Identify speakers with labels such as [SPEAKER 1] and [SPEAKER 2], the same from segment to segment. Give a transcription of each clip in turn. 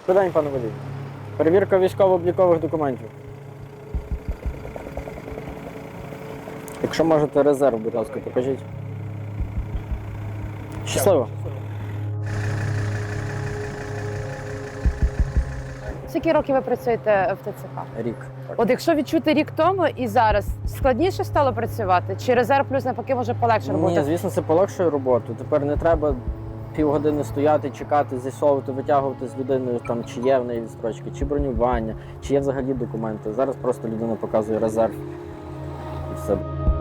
[SPEAKER 1] Добрий день, пане водій. Перевірка військово-облікових документів. Якщо можете резерв, будь ласка, покажіть. Щасливо.
[SPEAKER 2] Скільки років ви працюєте в ТЦК?
[SPEAKER 1] Рік.
[SPEAKER 2] От якщо відчути рік тому і зараз, складніше стало працювати? Чи резерв плюс навпаки може полегше роботи?
[SPEAKER 1] Ні, звісно, це полегшує роботу. Тепер не треба півгодини стояти, чекати, з'ясовувати, витягувати з людиною, там, чи є в неї відстрочки, чи бронювання, чи є взагалі документи. Зараз просто людина показує резерв і все.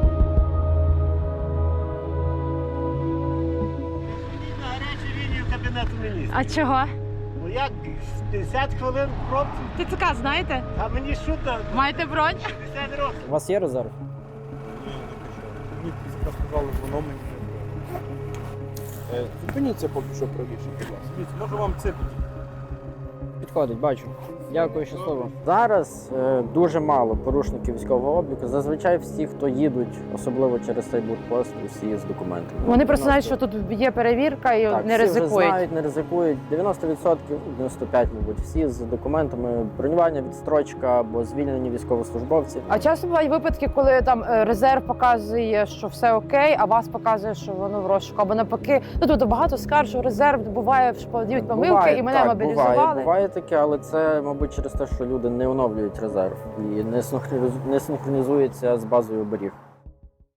[SPEAKER 3] На гарячу лінію Кабінету Міністрів.
[SPEAKER 2] А чого?
[SPEAKER 3] Ну як 50 хвилин в пробці?
[SPEAKER 2] ТЦК знаєте?
[SPEAKER 3] А мені що там?
[SPEAKER 2] Маєте бронь?
[SPEAKER 3] 50 років.
[SPEAKER 1] У вас є резерв?
[SPEAKER 4] Мені сказали, воно мені. Зупиніться поки що правіше, будь ласка. Дивіться, можу вам це
[SPEAKER 1] Підходить, бачу. Дякую, щасливо. Зараз дуже мало порушників військового обліку. Зазвичай всі, хто їдуть, особливо через цей блокпост, усі з документами.
[SPEAKER 2] Вони просто знають, що тут є перевірка і
[SPEAKER 1] Так,
[SPEAKER 2] не
[SPEAKER 1] всі вже
[SPEAKER 2] ризикують.
[SPEAKER 1] знають, не ризикують. 90%, 95%, мабуть, всі з документами бронювання, відстрочка або звільнені військовослужбовці.
[SPEAKER 2] А часто бувають випадки, коли там резерв показує, що все окей, а вас показує, що воно в розшуку. Або навпаки, ну тобто багато скарг, що резерв буває, що подають помилки,
[SPEAKER 1] Буває,
[SPEAKER 2] і мене
[SPEAKER 1] так,
[SPEAKER 2] мобілізували.
[SPEAKER 1] Буває таке, але це, мабуть, через те, що люди не оновлюють резерв і не синхронізуються з базою оберіг.